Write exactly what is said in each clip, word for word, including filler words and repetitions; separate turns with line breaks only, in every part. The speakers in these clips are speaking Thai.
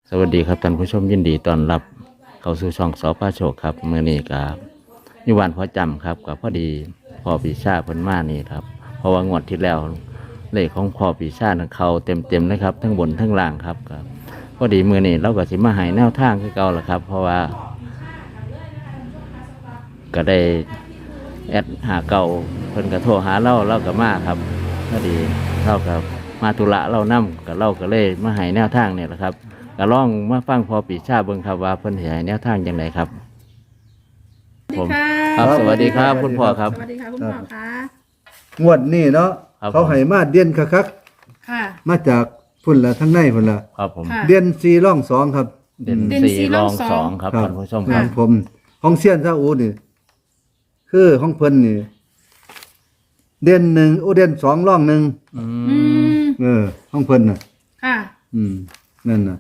สวัสดีครับท่านผู้ชมยินดีต้อนรับเข้าสู่ช่องสพโชคครับเมื่อนี้กับนิวานพ่อจำครับกับพอดีพ่อปีชาเพิ่นมานี่ครับเพราะว่างวดที่แล้วเลขของพ่อปีชาเขาเต็มเต็มเลยครับทั้งบนทั้งล่างครับครับพอดีมือนี้เราก็สิมาให้แนวทางคือเก่าละครับ เพราะว่า ก็ได้แอดหาเก่าเพิ่นก็โทรหาเราเราก็มาครับพอดีเรากับมาธุระเรานำกับเราก็เลยมาให้แนวทางเนี่ยแหละครับก็ลองมาฟังพอปีชาเบิ่งครับว่าเพิ่นสิให้แนวทางจังไดครับผมครับสวัสดีครับคุณพ่อครับ
สวัสดีค่ะคุณพ่อคะ
งวดนี้เนาะ
ครับ
เขาให้มาเดียนคัก
ค่ะ
ๆมาจากพุ่นละทั้งในพุ่นละ
ครับผม
ค่ะ
เดียนสี่ร่องสองครับ
เด่น
เด่น
สี่
สี่
ร
ร
อ
อง ง
ส
ส
อ
อง ง
ครับ
ครับ
ท่านผู้ชม
ข
ครั
อบ งผมของเซียนซาอูนี่คือของเพิ่นนี่เดียนหนึ่งโอเดียนสองร่องหนึ่ง
อื
อื
ม
ม
เออของเพิ่นน่ะ
ค่ะ
อืมนั่นน่ะ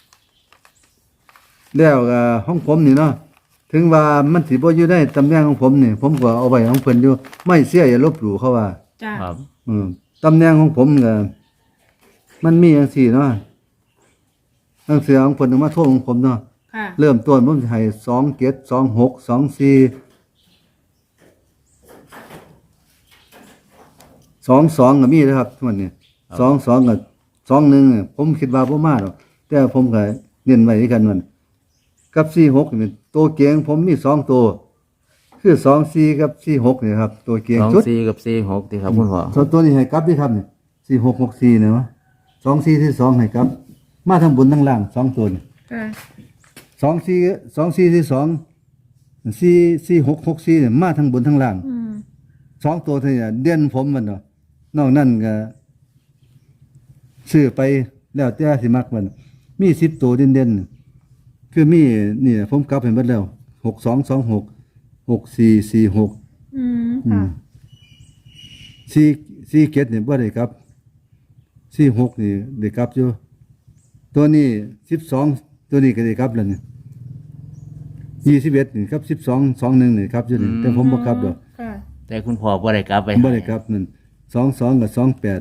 แล้วก็ของผมนี่เนาะถึงว่ามันสิบ่อยู่ในตำแหน่งของผมนี่ผมก็เอาไว้ของเพิ่นอยู่ไม่เสียอย่าลบหลู่เขาว่า
จ้า
ครับ
อืมตำแหน่งของผมก็มันมีอย่างสี่เนาะตั้งเสียของผลมาโทษของผมเนาะ
ค่ะ
เริ่มต้นผมจะให้สองเจ็ดสองหกสองสี่สองสองก็มีนะครับทุกวันนี้สองสองกับสองหนึ่งเนี่ยผมคิดว่าพ่มาหรอกแต่ผมก็เน้นไว้ด้วยกันมันกับสี่หกนี่ตัวเกียงผมมีสองตัว คือสองสี่กับสี่หกเนี่ยครับ ตัวเกียง
สอง
ชุด
สี่กับสี่หกที่ครับคุณพ่อ
ส่วนตัวนี้ให้กลับด้วยครับเนี่ยสี่หกหกสี่เนี่ยวะสองสี่ที่สองให้กลับ มาทั้งบนทั้งล่างสองตัวนี่
ค่ะ
สองสี่สองสี่ที่สองสี่สี่หกหกสี่เนี่ยมาทั้งบนทั้งล่าง
อืม
สองตัวเท่านี้เด่นผมมันเนาะนอกนั้นก็ซื้อไปแล้วแต่สิมักมัน มีสิบตัวเด่นเด่นๆคือมีนี่ผมกลับเห็นหมดแล้วหกสองสองหกหกสี่สี่หก
อืมค่ะ
สี่สี่เกตเนี่ยบ่ได้ครับสี่หกนี่ได้ครับอยู่ตัวนี้สิบสองตัวนี้ก็ได้ครับแล้วนี่ยี่สิบเอ็ดนี่ครับสิบสองสองหนึ่งนี่ครับอยู่นี่แต่ผมบ่ครับดอก
ค่ะ
แต่คุณพ่อบ่ได้กลับไป
บ่ได้ครับนั่นสองสองกับสองแปด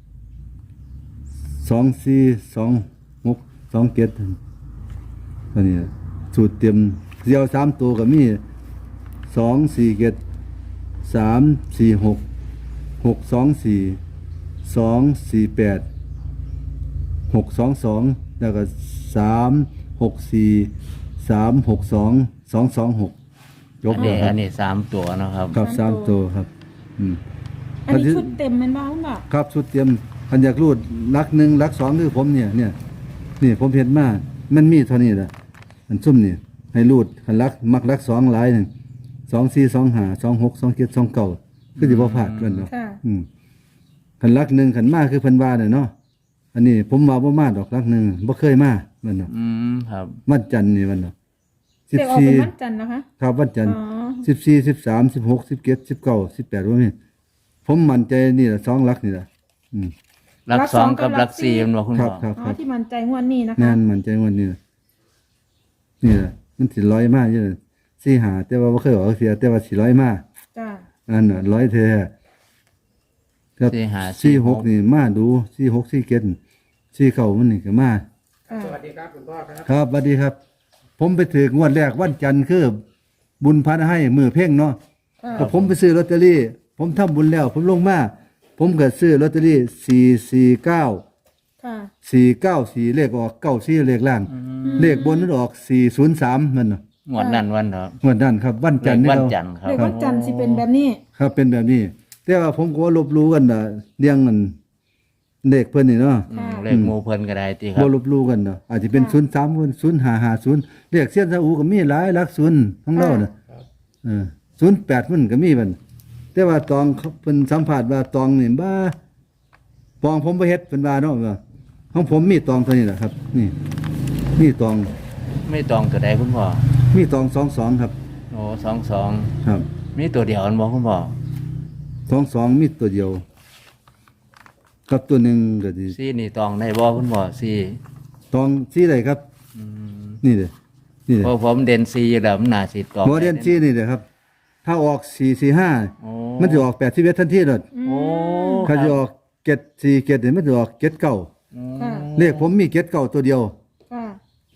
สองสี่สองหกสองเกตตัวนี้สูตรเตรียมเดียวสามตัวก็มีสองสี่เกตสามสี่หกหกสองสี่สองสี่แปดหกสองสองแล้วก็สามหกสี่สามหกสองสองสองหกยก
อัน
เล
นี้
ยค
อั
รับ
นนี้สามตัวเนาะครับ
ครับสามตัวครับ อืม
อันนี้ชุดเต็มแมันบ้างเปล่า
ครับชุดเตรียมคันอยากรูดลักหนึ่งลักสองคือผมเนี่ยเนี่ยนี่ผมเห็นมามันมีเท่านี้แหละอันซุ่มนี่ให้รูดคันลักมักลักสองหลายหนึ่งสองสี่สองห้าสองหกสองเจ็ดสองเก้าคือสิบ่พลาดกันเนาะ
ค่ะ
อืมคันลักหนึ่งคันมาคือเพิ่นว่าเนี่ยเนาะอันนี้ผมมาบ่มาดอกลักหนึ่งบ่เคยมามันเนาะ
อืมครับ
วันจันทร์นี่มันเนาะสิบ
เด็กออก
สี่
เป็นวันจันทร์นะคะ
ครับวันจันทร์
อ๋อ
สิบสี่สิบสามสิบหกสิบเจ็ดสิบเก้าสิบแปดว่านี่ผมมั่นใจนี่แหละสองลักนี่แหละอืม
รักสองกับรักสี่มันบอกคุณ
ครั
พ่
บ
อ
ครับ
อ๋
ค
อ
รับ
ที่มันใจงวดนี้นะคะ
งานมั่นใจวันนี้นะนี่แหละมันสิร้อยมากอยู่เลยสี่หาแต่ว่าบ่เคยออกเสียแต่ว่าสี่ร้อยมาก
จ้า
อันน่ะร้อยเทครับ
สี่หา
สี่หกนี่มาดูสี่หกสี่เจ็ดสี่เก้ามันนี่ก็มา
ค่ะ
ครับสวัสดีครับ ผมไปถืองวดแรกวันจันทร์คือบุญพันให้มือเพ่งเนาะ
ค่ะ
ก็ผมไปซื้อลอตเตอรี่ ผมทำบุญแล้ว ผมลงมา ผมก็ซื้อลอตเตอรี่สี่สี่เก้า
ค่ะ
สี่เก้าสี่เลขออกเก้าสี่เลขล่าง เลขบนนั้นออกสี่ศูนย์สามมันเนาะ
งวดนั้นวันเถอะ
งวดนั้นครับ วันจันทร์นี่
วัน
เรา
จันทร์ครับ
เด็กวันจันทร์สิเป็นแบบนี้
ครับเป็นแบบนี้ แต่ว่าผมก็ลบรู้กันนะเรียงกันเลขเพิ่นนี่เนาะ
อืมเลขหมูเพิ่นก็ได้ตีครั
บ่
บ
ลบรู้กันเนาะอาจจะเป็นศูนย์สามศูนย์ห้าห้าศูนย์เลขเสี้ยนซาอูก็มีหลายหลักศูนย์ของเราน่ะเออศูนย์แปดมันก็มีมันแต่ว่าตองเขาเพิ่นสัมภาษณ์ว่าตองนี่บ้าปองผมบ่เฮ็ดเพิ่นว่าเนาะว่าของผมมีตองเท่านี้แหละครับ นี่ มีตอง
ไม่ตองตัวใดคุณพ่อ
มีตองสองสองครับ
โอ้สองสอง
ครับ
มีตัวเดียวอันบอกคุณพ่อ
สองสองมีตัวเดียวกับตัวหนึ่งก็ดี
สี่นี่ตองได้บ่คุณพ่อสี่
ตองสีใดครับ
อืม
นี่เลยนี่เลย
เพราะผมเด่นสี่อยู่แล้วมันน่าสิตอง
โมเดลสีนี่เลยครับ ถ้าออกสี่สี่ห้า
โอ้
มันจะออกแปดสิบเอ็ดทันทีเลย
โอ้
ถ้าจะออกเจ็ดสี่เจ็ดเนี่ยมันจะออกเจ็ดเก้า
อืม
ค่ะ
เลขผมมีเจ็ดเก้าตัวเดียว
ค่ะ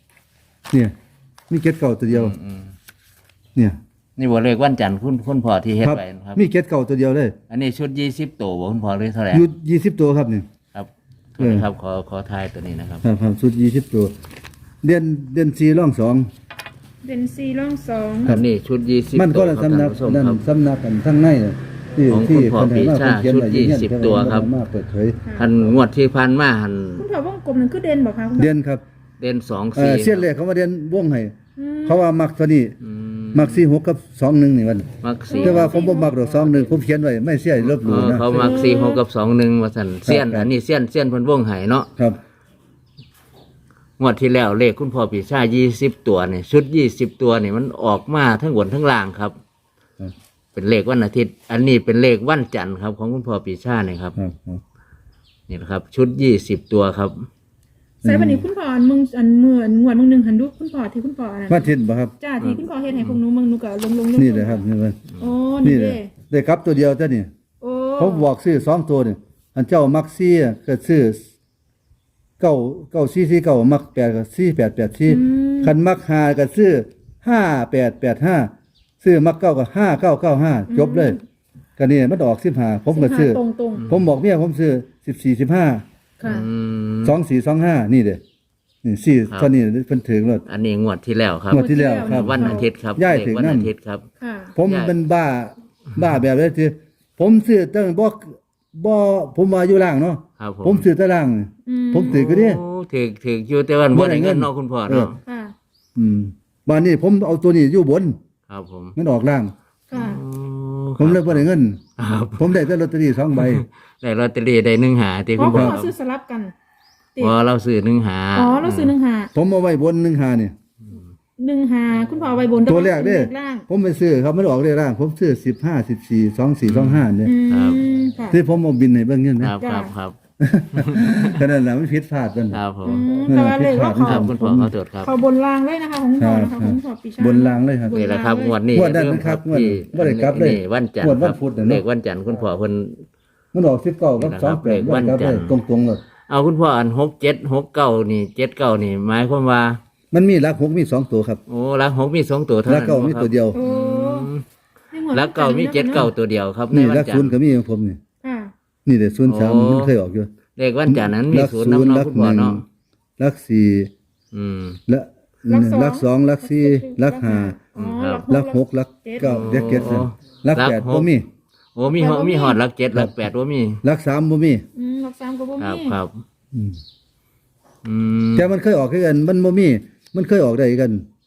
เนี่ยมีเก็ดเก่าตัวเดียว
อืม
เนี่ย
นี่บ่เลขวันจันทร์คุณคุณพ่อที่เฮ็ด
ครับ
ไว้นะครับ
มีเก็ดเก่าตัวเดียวเลย
อันนี้ชุดยี่สิบตัวบ่คุณพ่อหรือเท่าไหร่
อยู่ยี่สิบตัวครับนี่
ครับ
เออ
ครับขอขอทายตัวนี้นะครับ
ครับครับชุดยี่สิบตัวเดือนเดือนสี่ร่องสอง
เด่นซีร่องสอง
ครับนี่ชุดยี่สิบ
มันก็ละ
ครับ
สำนัก
ท่าผู้ชม
นั่น
ครับ
สำนักกันทั้งในน่ะที่
ของ
ที่
คุณพ่อ
เพิ่นให้มา
ปีชา
เพิ่นเขียนไว้
ชุดยี่สิบ
เพิ่น
ตัวครับ
มาเปิดเผย
ท่านงวดที่ผ่านมาหัน
คุณพ่อวงกลมนั่นคือเด่นบอกคะคุณพ่อ
เดือนครับ
เด่นสอง
เอ่
สี่
อเสี้ยนเลขเขามาเดือนวงให้
อืม
เขาว่ามักตัวนี้
อืม
มักสี่หกกับสองหนึ่งนี่มัน
มักสี่
แต่ว่าผมบ่มักดอกสองหนึ่งผมเขียนไว้ไม่เสียลบห
เอ
ลู่
อ
นะ
เขามักสี่หกกับสองหนึ่งว่าสันเสี้ยน
ครับ
อันนี้เสี้ยนเสี้ยนเพิ่นวงไห้เนาะ
ครับ
งวดที่แล้วเลขคุณพ่อปีชายี่สิบตัวเนี่ยชุดยี่สิบตัวเนี่ยมันออกมาทั้งบนทั้งล่างครับ
ครับ
เป็นเลขวันอาทิตย์ อันนี้เป็นเลขวันจันทร์ครับของคุณพ่อปีชาเนี่ยครับ
ครับครับ
นี่นะครับ ชุดยี่สิบตัวครับ
ใส่วันนี้คุณพ่ออันมึงอันเมื่อนงวดมึงหนึ่งหันดูคุณพ่อที่คุณพ่ออันนั้น
มาทิศบ่ครับ
จ้าที่คุณพ่อเฮ็ดให้พวกหนูมึงหนูก็ลงลงลง
นี่เลยครับนี่เลย
โอ้
นี่
นี่
เล
เลย ย
ได้ครับตัวเดียวเท่านี้
โอ้
ผมบอกซื้อสองตัวนี่อันเจ้ามักซี่ก็ซื้อเก้าเก้าซี่ซี่เก้ามักแปดก็ซี่แปดแปดซี่คันมักห้าก็ซื้อห้าแปดแปดห้าซื้อมักเก้าก็ห้าเก้าเก้าห้าจบเลยก็นี่มันออกสิบห้าผมก็ซื้อ
ตรงตรง
ผมบอกเมียผมซื้อสิบสี่สิบห้า
ๆค่ะ
อืม
สองสี่สองห้านี่เด้นี่สี่
ครับ
เท่านี้เพิ่นถึงรถ
อันนี้งวดที่แล้วครับ
งวดที่แล้วครับ
วันอาทิตย์ครับ
ย้าย
เลข
ถึง
วัน
นั่น
อาทิตย์ครับ
ค่ะ
ผม
ย้าย
เป็นบ้าบ้าแบบนี้ที่ผมซื้อตั้งบ่บ่ผมมาอยู่ล่างเนาะ
ครับผม
ผมซื้อแตล่าง
อืม
ผมถือก็ดิ
โอ้ถือถืออยู่แต่ว่าบ่ได้เงินเนาะคุณพ่อเนาะ
ค่ะ
อืมบ้านนี้ผมเอาตัวนี้อยู่บน
ครับผม
มันออกล่าง
ค่ะ
โอ้
ผมเลยบ่ได้เงิน
ครับ
ผมได้แต่ลอตเตอรี่สองใบ
ได้ลอตเตอรี่ได้หนึ่งหาที่
เพ
คุณ
ราะคุ
พ่อ
ณพ่อซื้อสลับกันติ
ว่าเราซื้อหนึ่งหา
อ๋อเราซื้อหนึ่งหา
ผมเอาไว้บนหนึ่งหานี่
หนึ่งหาคุณพ่อเอาไว้บน
ตัวแรกเด้
เลขล่าง
ผมไปซื้อครับมันออกเลขล่าง ผมซื้อสิบห้า สิบสี่ สองสี่ สองห้าเนี่ย
อืมค่ะ
ที่ผมเอาบินให้เบิ่งเงิน
ค
นะ
รับครับครับ
ขนาดนั้นมันผิดพลาดกัน
ครับผ
อื
ม
มแต่ว่าเลขว่า
ครั
เขา
บคุณพ่อขอโทษครับ
เขาบนล่างเลยนะคะของคุณพ่อนะคะของคุณพ่อปีชา
บนล่างเลยครับ
นี่แหละครับงวดนี้
งวดนั้น
เริ่ม
ครับงวด
ที่
บ่ได้กลับเลย
นี่วันจันท
งวด
ร์
วั
คน รับ
พุธน่ะเนอะ
เลขวันจันทร์คุณพ่อเพิ่น
มันออกสิบเก้ากับ
นี่
ส
นะ
อง
ครับ
แปด
เลขวัน
ครับ
จันทร์
ตรงๆเลย
เอาคุณพ่ออันหกเจ็ดหกเก้านี่เจ็ดเก้านี่หมายความว่า
มันมีหลักหกมีสองตัวครับ
โอ้ลักหกมีสองตัวเท่า
หลั
นั้
ก
น
เก้ามี
บ่ครับ
ตัวเดียว
โอ้
อืม
ในงวด
ลักเก้ามีเจ็ดเก้าตัวเดียวครับใน
นี่
วั
ห
น
ลัก
จัน
ศู
ท
นย์
ร์
ก็มีของผมนี่
ค่ะ
นี่เด็ศูนย์สาม
โอ้
มันเคยออกอยู่
เลขวันจันทร์นั้นมี
หลัก
ศูนย์
ศูนย์
นำ
หลั
เนาะ
ก
คุณ
ห
พ่อ
นึ่ง
เนาะ
หลักสี่
อืม
และหลักสองหลักสี่หลักห้า
อ๋อ
ครับ
หลักหกหลักเก้าเด็กเก็ดนั่นหลัก
หลัก
แปด
หก
บ่มี
โอ้มีหมีหอดลักเจ็ดลักแปดว่ามี
หลักสามบ่มี
อืมหลักสามก็บ่
ครับ
มี
ครับ
อืม
อืม
แต่มันเคยออกคือกัน มันบ่มีมันเคยออกได้กัน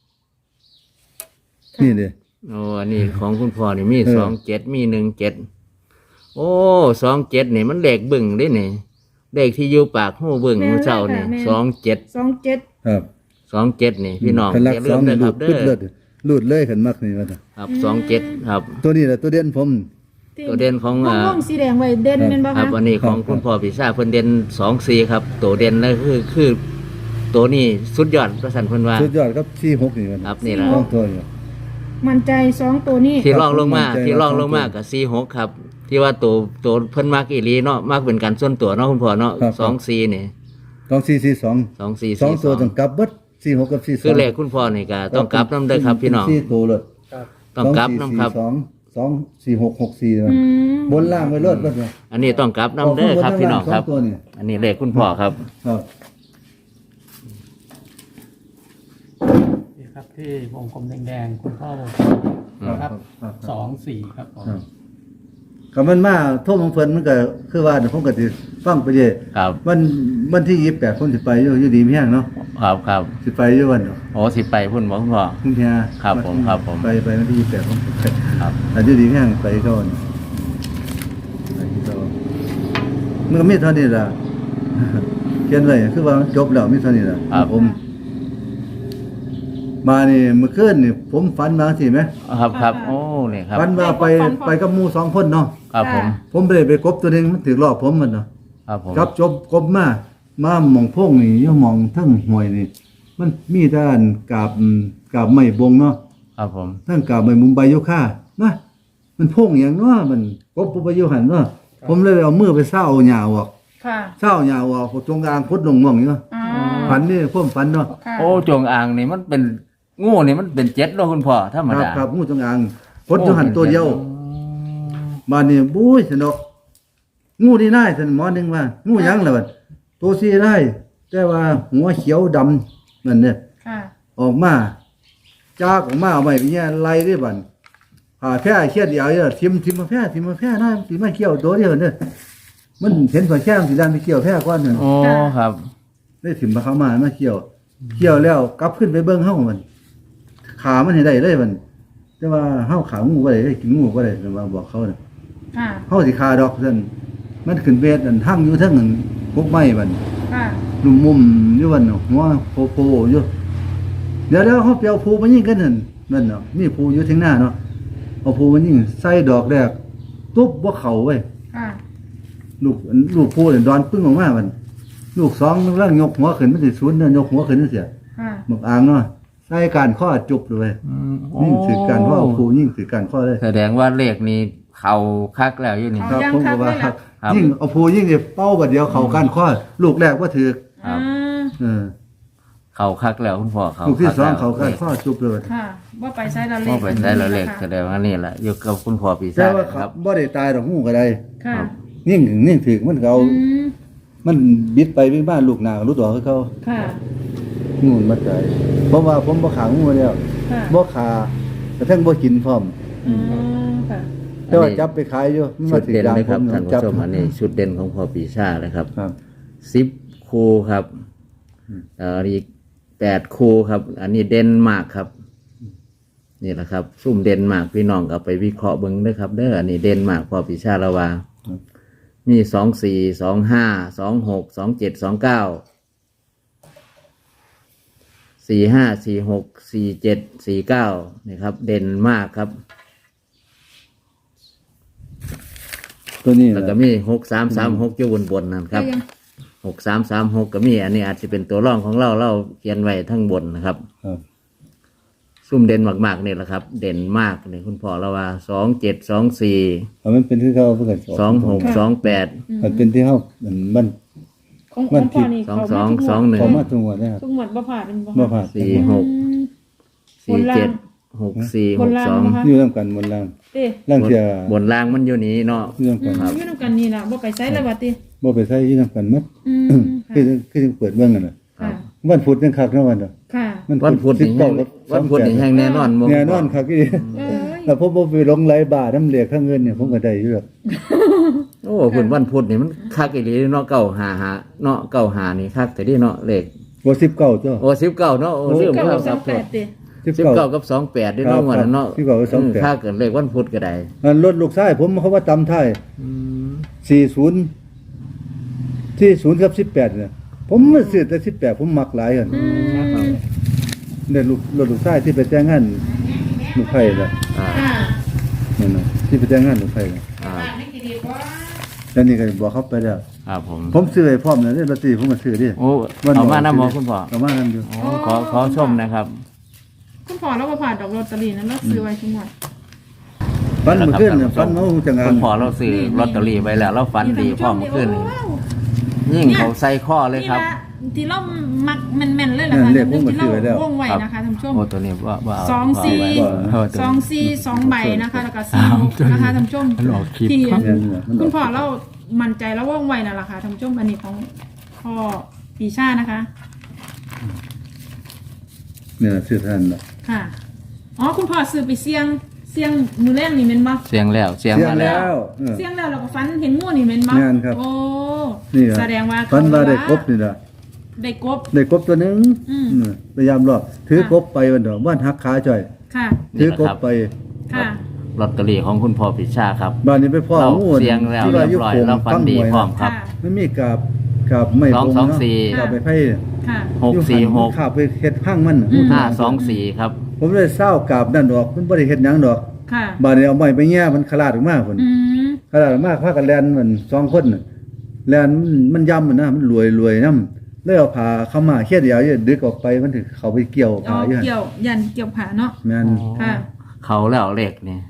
นี่เด้
โอ้อันนี้ของคุณพ่อนี่มี
เออ
สองเจ็ดมีหนึ่งเจ็ดโอ้สองเจ็ดนี่มันเลขบึ้งได้นี่เลขที่อยู่ปากหูบึ้งหูเจ้านี่สองเจ็ด
สองเจ็ด
ครับ
สองเจ็ดนี่พี่น้อง
คันหลัก
อย่า
ส
ลื
อ
ม
ง
นะค
ลู
รับ
ด
เด้
ปึ๊ดเลื
อ
อดลูดเลยขันมักนี่ว่าซั่น
ครับสองเจ็ดครับ
ตัวนี้แหละตัวเด่นผม
ตัวเด่นของ
ว
อ่า
งวงสีแดงไว้เด่นเป็นบ่
ครั
คะ
บอันนี้ของคุณพ่อพิซซ่าเพิ่นเด่นสองสี่ครับตัวเด่นนั่นคือคือตัวนี้สุดยอดประสันเพิ่นว่า
สุดยอดครับสี่หกนี่มัน
ครับนี่แหละ
สองตัวนี่
มั่นใจสองตัวนี้
ที่ล่องลงมา
ครับ
ที่ล่องลงมา
ครับ
กับสี่หกครับ ที่ว่าตัวตัวเพิ่นมากอีหลีเนาะมากเป็นการส่วนตัวเนาะคุณพ่อเนาะ
ครับ
สองสี่นี่
สองสี่สี่สอง
สองสี่
สอง
สี่ส
ตัว
อง
ต้องกลับเบิดสี่หกกับสี่สอง
คือเลขคุณพ่อนี่ก็ต้องกลับน้ำเด้อครับพี่น้อง
สี่ตัวเลย
ต้องกลับน้ำครับ
สองสองสี่หกหกสี่
อืม
บนล่างไว้เลิศเบิดเลย
อันนี้ต้องกลับน้ำเด้อครับพี่น้องครับ
สตัวนี่
อันนี้เลขคุณพ่อครับ
ครับ
นี่ครับที่วงกลมแดงๆคุณพ่อวงครับสองสี่ครับผม
ครับก็มันมาโทษของเพิ่นมันก็คือว่าเดี๋ยวผมก็สิฟังไปเรื่อย
ครับ
วันวันที่ยี่สิบแปดผมสิไปอยู่อยู่ดีมีแห้งเนาะ
ครับครับ
สิไปอยู่วัน
โอ้สิไปพุ่นบ่คุณพ่อ
คุณเฮีย
ครับผมครับผม
ไปไปวันที่ยี่สิบแปดผมไป
ครับ
แต่อยู่ดีมีแห้งไปก่อนไปที่ก่อนมันก็มีเท่านี้ล่ะ เขียนไว้คือว่ามันจบแล้วมีเท่านี้ล่ะ
ครับ
ผม มานี่เมื่อคืนนี่ผมฝันมาสิไหม
ครับครับโอ้นี่ครับ
ฝันว่าไปไปกับหมู่สองคนเนาะ
ครับผม
ผมไปไปกบตัวหนึงมันถือรอบผมมันเนาะ
ครับผม
ครับจบกบมามาหมองพงนี่อยู่หมองทั้งห้วยนี่ มันมีด้านกาบอืมกาบไม้บงเนาะ
ครับผม
ทั้งกาบไม้มุมใบโยค่านะมันพงอย่างเนาะมันกบปุบอยู่หันเนาะผมเลยเอามือไปเศร้าหญ้าออก
ค่ะ
เศร้าหญ้าออกจงกลางพุดลงหม่องอยู่เนาะ
อ๋อ
ฝันนี่พวกฝันเนาะ
ค่ะ
โอ้จงอางนี่มันเป็นงูนี่มันเป็นเจ็ดเนาะคุณพ่อธรรม
ครับ
ดา
ครับงูจงอางพดจงหันตัวเดียวบ้านนี้บุ้ยสนกงูที่ได้สันหมอหนึงว่างูหยังล่ะบัดตัวสีได้แต่ว่าหัวเขียวดำนั่นเนี่ย
ค่ะ
ออกมาจากออกมาเอาไว้เป็นแย่ไล่ได้บัดผ่าแพร่เขียดเดียวเนี่ยทิมทิมมาแพร่ทิมมาแพร่ได้สิมาเกี่ยวตัวเดียวเนี่ยมันเห็นฝ่ายแข้งสีดำไปเกี่ยวแพร่ก้อนหนึ่ง
โอ้ครับ
ได้ถิ่มมาเข้ามามาเกี่ยวเกี่ยวแล้วกลับขึ้นไปเบิ้งเฮ้ามันขามันให้ได้เลยมันแต่ว่าเฮ้าขางูก็ได้กินงูก็ได้แต่ว่าบอกเขาเนี่ย
ค่ะ
เฮ้าสิขาดอกเส้นมันขึ้นเบ็ดอันทั้งอยู่ทั้งอันพวกไม้มัน
ค่ะ
ลุ่มมุมอยู่วันเนาะหัวโผล่โผล่อยู่เดี๋ยวเดี๋ยวเขาเปียวภูมายิงกันนั่นนั่นเนาะมีภูอยู่ที่หน้าเนาะเอาภูมายิงใส่ดอกแรกตุ๊บว่าเข่าเว้ย
ค่ะ
ลูกลูกภูเนี่ยดอนปึ้งออกมามันลูกสองร่างยกหัวขึ้นมันสิศูนย์เนี่ยยกหัวขึ้นนั่นเสีย
ค่ะ
หมกอ่างเนาะใส่การข้อจุบเลย
อืมโอ้
ยิ่งถือการข้อภูยิ่งถือการข้อเลย
แสดงว่าเลขนี้เขาคักแล้วอยู่นี่
ครับ
ยัง
ผม
ครั
ก็
บ
ว่า
ได้แล้ว
ครับ
ยิ่งเอาภูยิ่งเนี่ยเป้าบัดเดียวเขาการข้อลูกแรกว่าถือ
ครับ
อ่า
เออ
เขาคักแล้วคุณพ่อเขา
ลูกที่สอง
คั
เขา
แล้ว
การข้อจุบเลย
ค่ะว่าไปใช้ละเล
พ่อ
ข
ไปได้แล้วเลข
ค่ะ
แสดงว่านี่แหละอยู่กับคุณพ่อปี
แต่
ศาจ
ว่า
นะ
เขา
ครับ
บ่ได้ตายดอกงูก็ได้
ค่ะ
ยิ่งถึงยิ่งถือมันก็เอา
อืม
มันบิดไปวิ่งบ้านลูกหนารู้ตัวเขา
ค่ะ
งูมันมาใจเพราะว่าผมบ่ขางูแล้ว
ค่ะ
บ่ขากระทั่งบ่กินพร้อม
อืมค่ะ
แต่ว่าจับไปขายอยู่มัน
ชุ
มา
ด
ถึง
เด่น
ยาง
เลย
ผ
ครับ
ม
ท่านผู้
จับ
ชมอันนี้ชุดเด่นของพ่อปีชาเลยครับ
ครับ
สิบคูครับเอ่ออีกแปดคูครับ อันนี้เด่นมากครับ นี่แหละครับ ซุ่มเด่นมากพี่น้องก็ไปวิเคราะห์เบิ้งเด้อครับเด้ออันนี้เด่นมากพ่อปีชาละวามีสองสี่สองห้าสองหกสองเจ็ดสองเก้าสี่ห้าสี่หกสี่เจ็ดสี่เก้านี่ครับ เด่นมากครับ
ตัวนี้
แล้วก็มีหกสามสามหกอยู่บนบนนั่นครับ
ก็ยัง
หกสามสามหกก็มี อันนี้อาจจะเป็นตัวร่องของเราเราเขียนไว้ทั้งบนนะครับ
ครับ
ซุ่มเด่นมากๆนี่แหละครับ เด่นมากนี่คุณพ่อเราว่าสองเจ็ดสองสี่
เอามันเป็นที่เขาเพิ่นก็
สองหกสองแปด
มันเป็นที่เขามันมัน
ของ
วั
ขอน ง
ที่
พ่อนี่
สอง
เขา
สอง
มาทุก
สองหนึ่ง
พอมาทุกงวดนะครับ
ทุกหมวดบ่ผ่านเป็นบ่
บ่ผ่าน
สี่หก
อืม
สี่เจ็ดหกสี่หกสอง
บนล่างนะคะ
อยู่นํกันบนล่าง
เต้
ล่างเสีย
บนล่างมันอยู่นี้เนาะ
อยู่นํ
อื
กัน
มอยู่นำกันนี่ล่ะบ่ไปใช้แล้วว่าติ
บ่ไปใช้อยู่นํกันหมด
อืม
คือ
ค่ะ
คือจังเปิดเบิ่งกันน่ะ
ค่ะ
วันพุธจังคักเนาะวันเนาะ
ค่ะ
วันพุธนี่แห้ง
กับ
วันพุธนี่แห้งแน่นอนบ่
แน่นอนคักอี
เอ้ย
แล้วผมบ่ไปลงไหลบาทน้ำเหลียกข้างเงินเนี่ยผมก็ได้อยู่ดอก
โอ้คุณวันพุธนี่มันคักอีหลีเนาะเก้าหาหาเนาะเก้าหานี่คักแต่ที่เนาะเลข
บ่สิบเก้าตัว
โอ้สิบเก้าเนาะโอ้ลืม
เก้า
แล้ว
ส
ค
อ
รับ
งแปดติ
สิบเก้ากับสองแปดด้วยเนาะวันนั้นเนาะ
สิบเก้ากับสองแปด
ค่าเกิดเลขวันพุธก็ได้
อันรถลูกชายผมเขาว่าตำท้ายสี่สิบ สี่สิบกับสิบแปดเนี่ยผมมาซื้อแต่สิบแปดผมมักหลายหั่น
อืม
ได้ลูกรถลูกชายที่ไปแต่งงานลูกไผล่ะ
อ่า
ค่ะ
นั่นน่ะที่ไปแต่งงานลูกไผน่ะ
อ่า
แล้วนี่ก็บอกเขาไปแล้ว
ครับผม
ผมซื้อไอ้พร้อมน่ะเด้ลอตเตอรี่ผมก็ซื้อดิ
โอ้เอามาน้ำหมอคุณพ่อ
เอามานํอยู่
โอ้ขอขอชมนะครับ
คุณพ่อเราบ่ผ่านดอกลอตเตอรี่นั้นเราซื้อไว้ทุกหมวด
ฟันเมื่อคืนน่ะฟันเมาจังงา
คุ
น
ณพ่อเราซื้อลอตเตอรี่ไว้แล้วเราฝันดีพ่อเมื่อคืนนี่
ว้าว
ยิ่งเขาใส่ข้อเลยครับ
นี่ละที่เรามักแม่นๆเลยล่ะค่ะท่านผู้ชมที่เราวงไว้นะคะท่านผู้ชม
โอ้ตัวนี้ว่าว่า
สองสี่
เออตัว
สอง
นี้
สี่สองใบนะคะแล้วก็สี่หกนะคะท่านผู้ชม
มันออกคลิป
ที่
แม่นน่ะมันออก
คุณพ่อเรามั่นใจแล้วว่องไวนั่นแหละค่ะท่านผู้ชมอันนี้ของพ่อปีชานะคะ
เนี่ยซื้อท่านน่ะ
ค่ะอ๋อคุณพ่อซื้อไปเสี่ยงเสี่ยงมือแรกนี่แม่นบ่
เสียงแล้วเสียง
เสียง
มาแล้
แล้ว วเออ
เสี่ยงแล้วเราก็ฟันเห็นงูนี่แม่นบ่
แม่นครับ
โอ้
นี่ล่ะ
แสดงว่า
ฟันว่าได้
เข
กบนี่ล่ะ
ได้กบ
ได้กบตัวหนึง
อืม
อืมพยายามรอบถือกบไปวันดอกบ้านหักขาจ่อย
ค่ะ
ถือกบไป
ค่ะ
ลอตเตอรี่ของคุณพ่อปิชาครับ
บ้านนี้ไปพ่อ
เรา
งู
เสียงแล้ว
ที่
เรี
ว่าย
บ
อยู่
ร้อย
โขง
เราฝันดีพร้อมครับ
ค่ะ
มันมีกาบกาบไม่
สอง
ตรง
สอง
เนาะ
สี่
กาบไปไผ่
ค่ะ
หกสี่หก
ขาบไปเฮ็ดพังมันน่ะ
อืม
ห้าสองสี่ครับ
ผมเลยเศร้ากาบนั่นดอกมันบ่ได้เฮ็ดหยังดอก
ค่ะ
บ้านนี้เอาไม้ไปแย่มันขลาดออกมาพุ่น
อืม
ขลาดออกมาพากันแล่นมันสองคนน่ะแล่นมันมันย่ำมันนะมันรวยรวยนำเลยเอาผ้าเข้ามาเฮ็ดเดียวอย่าดึกออกไปมันถึงเข้าไปเกี่ยว
เอา
ผ้าอยู่หั่น
เกี่ยวยันเกี่ยวผาเนาะ
แม่น
ค่ะ
เขาแล้วเลขนี่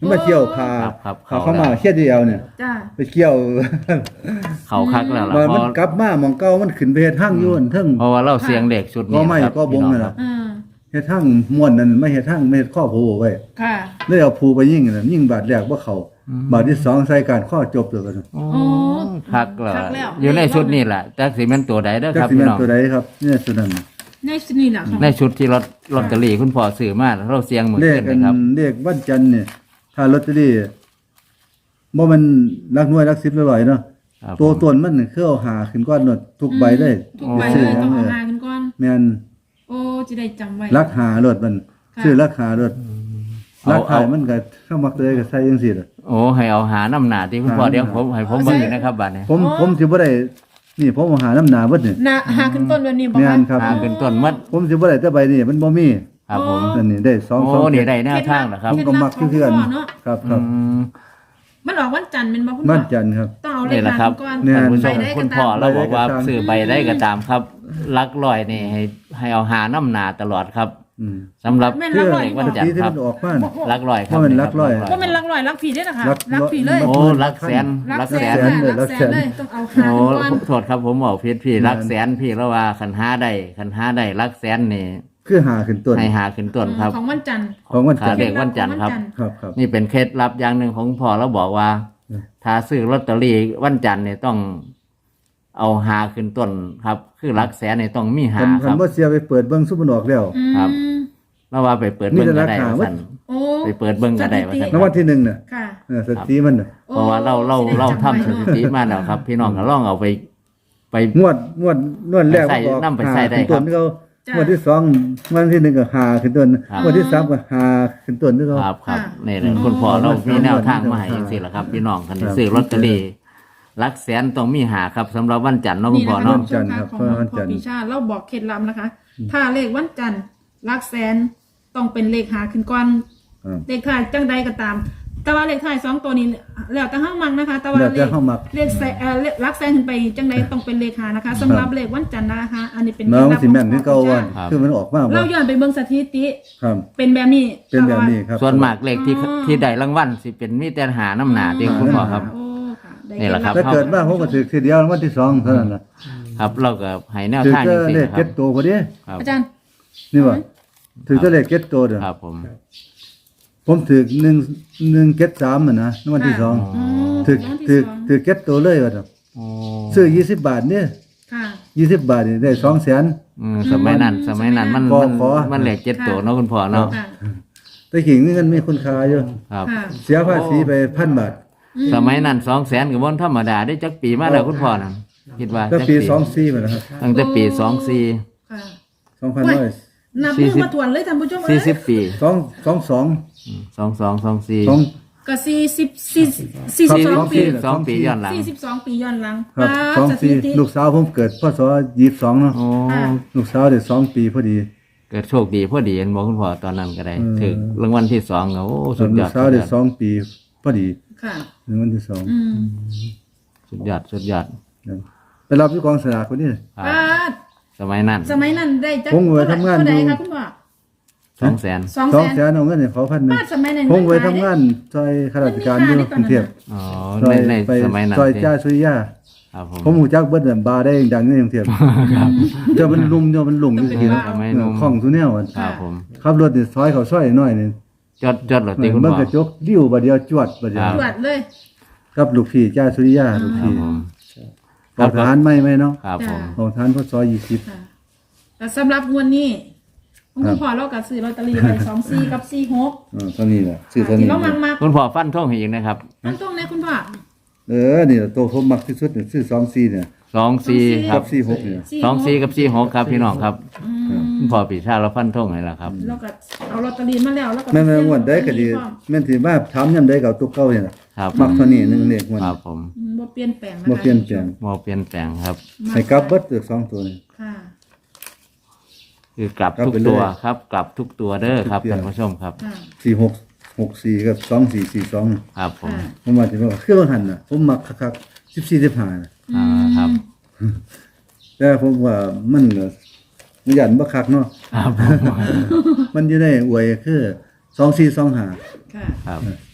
มันมาเกี่ยวพา
ครับครับ
เขาเข้ามาเฮ็ดเดียวเนี่ย
จ้า
ไปเกี่ยว
เขาคักแล้วล่ะ
มัน
เพ
มัน
ราะ
กลับมาหมองเก่ามันขึ้นไปเฮ็ดทางอยู่นั่นเทิง
เพราะว่าเราเสียงเด็กชุดนี้
ก็ไม่
ครับ
ก็บง
พี่
นั่น
ครั
ล่ะ
อ่า
เฮ็ดทางม่วนนั่นไม่เฮ็ดทางไม่เฮ็ดข้อผูไว้
ค่ะ
เลยเอาผูไปยิงนั่นยิงบาดแรกบ่เข้าบาดที่สองใส่การข้อจบเลยกัน
โอ้
โอ้
คักแล้ว
คักแล้ว
อยู่ในชุดนี้แหละจักสิแม่นตัวใดเด้อ
จั
ค
ก
รับ
สิ
พี่
แม่น
น้อง
ตัวใดครับเนี่ยสุดนั้น
ในสนี่แหละค่ะ
ในชุดที่ลอตลอตเตอรี่คุณพ่อซื้อมาเราเสียงเหมือน
เลข
กัน
อั
นะ
น
ครับ
เลขวันจันทร์เนี่ยถ้าลอตเตอรี่บ่มันรักหน่วยรักสิบร้อยเนาะ
ครับ
ตัวตนมันนี่คือเอาหาขึ้นก้อนหนดทุกใบได้
ทุกใบเลยต้องเอาหากันก่อน
แม่น
โอ้จะได้จำไว้
รักหารถมัน
ค่ะ
ชื่อรักหารถ
เอา
รักหา
เอา
มันก็เข้ามาเลยก็ใส่จังซี่ล่ะ
โอ้ให้เอาหาน้ำหนาที่คุณพ่อ
หา
เดี๋ยวผมให้ผมเบิ่งอยู่นะครับบัดนี้
ผมผมสิบ่ได้นี่ผมเอาหาน้ำหนาเบิดนี่
นะหาขึ้นต้นแบบนี้บอก
แม่
ว่าน
ครับ
หาเป็นต้นมัด
ผมสิบ่ได้แต่ใบนี่มันบ่มี
ครับผม
นั่นนี่ได้สอง
โอ้
สอง
นี่ได้แนวทางเหรอครับ
ผมก็มักคือกันครับครับ
อืม
มันออกวันจันทร์เป็นบอกคุณ
บ้า
พ่
น
อ
จันทร์ครับ
ต้องเอาเล
นี่
ข
แหละ
หา
ครับ
ก่อน
เนี่ย
ท่านผู้ชม
ไปได้ก็
คุณพ่อ
ตาม
เราบอกว่า
ไปได้ก็ตาม
ซื้อใบได้ก็ตามครับลักลอยนี่ให้ให้เอาหาน้ำหนาตลอดครับ
อืม
สำหรับ
แม่น
เพื่
รั
อก
ร้อย
เด็กวันจันท
ที่
ร์
ที่
ครั
มั
บ
นออกมาน่ะ
ลักลอยครับ
ว่ามันลักลอย
ว่าเป็นรักร้อยรักผีได้นะคะ
รัก
รักผีเลย
โอ้ลักแสน
รั
ลั
ก
ก
แส
แส
น
น
เลย
รั
รั
ก
ก
แส
แส
น
นเลยต้องเอาหา
โอ้
กันก่อน
โทษครับผมบอกผิดพี่ลักแสนพี่แล้วว่าคันหาได้คันหาได้ลักแสนนี่
คือหาขึ้นต้น
ให้หาขึ้นต้นครับ
ของวันจันทร์
ของวันจันทร์
ขาเด็กวันจันทร์ครับ
ครับครับ
นี่เป็นเคล็ดลับอย่างหนึ่งของพ่อเราบอกว่า
อืม
ถ้าซื้อลอตเตอรี่วันจันทร์เนี่ยต้อง เอาหาขึ้นต้นครับ คือลักแสนเนี่ยต้องมีหา
คัน
ค
คัน
รับ
บ่เสียไปเปิดเบิ่งซุปมันออกแล้ว
อืม
ครับ แล้วว่าไปเปิดเบิ้งก็ได้
มีแต่ราคา
ว่า
วัด
สั่น
โอ้
ไปเปิดเบิ้งก็ได้ว่าสั่น
รางวัลที่หนึ่งน่ะ
ค่ะ
เออสติมันน่ะ
เพราะว่าเราเราเราทำสถิติมาแล้วครับ พี่น้องก็ลองเอาไป ไป
งวดงวดงวดแรก
ไปใส่
มันออก
นำไปใส่ได้
หาขึ้นต้น
ครับ
ที่เขา
จ้ะ
งวดที่สองงวดที่หนึ่งก็หาขึ้นต้น
ครับ
งวดที่สามก็หาขึ้นต้นที่เขา
ครับครับ
ค่ะ
นี่แหละคุณพ่อเรามีแนวทางมาให้จังซี่แหละครับ พี่น้องคันที่ซื้อลอตเตอรี่ลักแสนต้องมีหาครับสำหรับวันจันทร์เนาะคุณ
นี่
พ่อ
นะคะ
เนาะ
ท่านผู้ชมค่ะของพ่อปีชาเราบอกเคล็ดลับนะคะ ถ้าเลขวันจันทร์รักแสนต้องเป็นเลขหาขึ้นก่อน
อ่า
เลขท้ายจังใดก็ตาม แต่ว่าเลขท้ายสองตัวนี้แล้วแต่ห้างมังนะคะ แต่ว่า
แล้ว
เล
แต่
ข
เฮามัก
เลขแสนเอ่อเลขรักแสนขึ้นไปจังใดต้องเป็นเลขหานะคะสำหรับเลขวันจันทร์นะคะ อันนี้เป็น
เนาะมันสิแม่นคือเก่า
ข
วั
อง
น
พ่อปีชา
คือมันออกมาบ่
เราย้อนไปเบิ่งสถิติ
ครับ
เป็นแบบนี้
เป็นแบบนี้ครับ
ส่วนมากเลขที่
อ๋อ
ที่ได้รางวัลสิเป็นมีแต่หาน้ำหนาที่คุณพ่อครับ
โอ้ค่ะได้
นี่แหละครับ
ถ้าเกิดมาผมก็ถือทีเดียวรางวัลที่สองเท่านั้นล่ะ
ครับ เราก็ให้แนว
ถือ
ทาง
แต่
จังซี่
เลข
นะค
เก็
รับ
ตโตพอดี
ครับ
อาจารย์
นี่ว่าถือแต่เลขเก็ตโตเด้อ
ครับผม
ผมถือหนึ่งหนึ่งเก็ตสามอ่ะนะรางวัลที่สอง
อืม
ถือ
รางวัลที่
ถือ
สอง
ถือเก็ตโตเลยว่าซั่น
โอ้
ซื้อยี่สิบบาทเนี่ย
ค่ะ
ยี่สิบบาทนี่ได้สองแสน
อืมสมัยนั้น สมัยนั้นมัน
ขอ
มัน
ขอ
มันเลขเจ็ดตัวเนาะคุณพ่อเนาะ
ค่ะ
แต่ขิงนี่เงินมีคุณค่าอยู่
ครับ
ค่ะ
เสียภาษีไปพันบาท
สมัยนั้นสองแสนกับวันธรรมดาได้จักปีมาแล้วคุณพ่อนะคิดว่า
แล้ว
จัก
ปีสองสี่มาแล้วครับ
ตั้งแต่ปีสองสี่
ค่ะ
สองพันร้อย
นับ
สี่
มือ
สิบ
มาทวนเลยท่านผู้ชม
สี่สิบ
เอ้ย
ปี
สองสองสอง
สองสองสองสี่
สอง
ก็สี่สิบสี่สี่สิบสอง
ครับ
ปี
สองปีย้อนหลัง
สี่สิบสองปีย้อนหลัง
ครับ
ป้า
สอง
สถิ
สี่
ติ
ลูกสาวผมเกิดพศยี่สิบสองเนาะ
โอ้
ค่ะ
ลูกสาวเด็กสองปีพอดี
เกิดโชคดีพอดีเห็นบอกคุณพ่อตอนนั้นก็ได้
อืม
ถึงรางวัลที่สองก็โอ้สุดย
ลู
อก ด
สาวเด็กสองปีพอดี
ค่ะ
รางวัลที่สอง
อืม
สุดยอดสุดยอด
ไปรับที่กองสลากคนนี้
ครับ
ป้า
สมัยนั้น
สมัยนั้นได้จัก
ผมไว้ทำงาน
เท่าไหร่
อยู่
คะคุณพ่อ
สองแสน
สอง
ส
แส
อง
น
แสนเอาเงินให้เขาพันหนึง
ป้าสมัยนั้น
ผมไว้
เงิน
ทำ
ขาย
งานซอยข้าราชการอยู่กรุงเทพ
อ๋อ
ซอ
ใน
ย
ใน
ไป
สมัยนั้น
ซอย
สิ
จ้าสุริยา
ครับผม
ผมหูจักเบิดน่ะบาร์ได้ดังในกรุงเทพเจ้ามันลุมเจ้ามันหลงอยู่ทีนะ
สมัยหนุ่ม
ของทุแนวอะ
ครับผม
ขับรถนี่ซอยเขาซอยน้อยนี่
จดจดเหรอตีคุณ
เบิ่ง
พ่อก
ระจกริ้วบาดเดียวจวดบาดเดียว
ครับ
ตรวจเลย
กับลูกพี่จ้าสุริยาลูก
ครับ
พี่
ผม
ขอทหารไหม่ไหมเนาะ
ครับผม
ของทหารพศยี่สิบ
ค่ะแต่สำหรับงวดนี้คุณ
ครับ
พ่อเราก็ซื้อลอตเตอรี่ไปสองสี่กับสี่หก
อ่าเท่านี้แหละชื่อเท่า
ที่
นี้
เรามักมัก
คุณพ่อฟันท่งให้อีกนะครับ
อันตรงนี้คุณพ่อ
เออนี่แหละตัวผมมักที่สุดเนี่ยชื่อสองสี่เนี่ย
สองสี่ค
กั
รั
บบ สี่หกเนี่ย
สองสี่กับสี่หกครับพี่น้องครับ
อืม
คุณพ่อปีชาเราฟันท่งให้แล้วครับ
เราก็เอาลอตเตอรี่มาแล้วแล้วก็
แม่นแม่นงวดได้ก็ดีแม่นสิมาถามยามใดก็เอาตัวเก่าเนี่ยล่ะ
ครับ
มักเท่านี้หนึงเลขงวด
ครับผม
อืมบ่เปลี่ยนแปลงนะคะ
บ่เปลี่ยนแปลง
มอเปลี่ยนแปลงครับ
ให้กลับเบิดตัวสองตัวนี่
ค่ะ
คือกลับ
กลับ
ทุก
ไปเลย
ตัวครับ กลับทุกตัวเด้อครับ
ทุกตัว
ท่านผู้ชมครับ
ค่ะ
สี่หกหกสี่กับสองสี่สี่สอง
ครับผม
ค่ะ
ผมว่าสิว่าคือว่าหันน่ะผมมักคักๆสิบสี่ สิบห้าน่ะ
อ่าครับ
แต่ผมว่ามันก็มันยันบ่คักเนาะ
ครับผม
มันอยู่ในอวยคือสองสี่สองห้า
ค่ะ
ครับ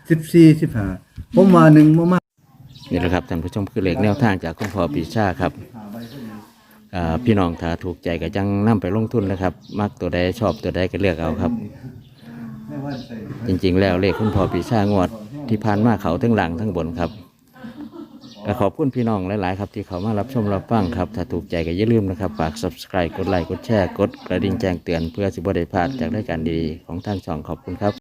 สิบสี่สิบห้าผมมาหนึ่งมามา
นี่แหละครับท่านผู้ชมคือเลขแนวทางจากคุณพ่อปีชาครับอ่าพี่น้องถ้าถูกใจก็จังนํไปลงทุนนะครับ มักตัวใดชอบตัวใดก็เลือกเอาครับ จริงๆแล้วเลขคุณพ่อปีชางวดที่ผ่านมาเขาทั้งหลังทั้งบนครับก็ขอบคุณพี่น้องหลายๆครับที่เขามารับชมรับฟังครับถ้าถูกใจก็อย่าลืมนะครับฝาก ซับสไครบ์ กดไลค์กดแชร์กดกระดิ่งแจ้งเตือนเพื่อสิบ่ได้พลาดจากรายการดีๆของทางช่องขอบคุณครับ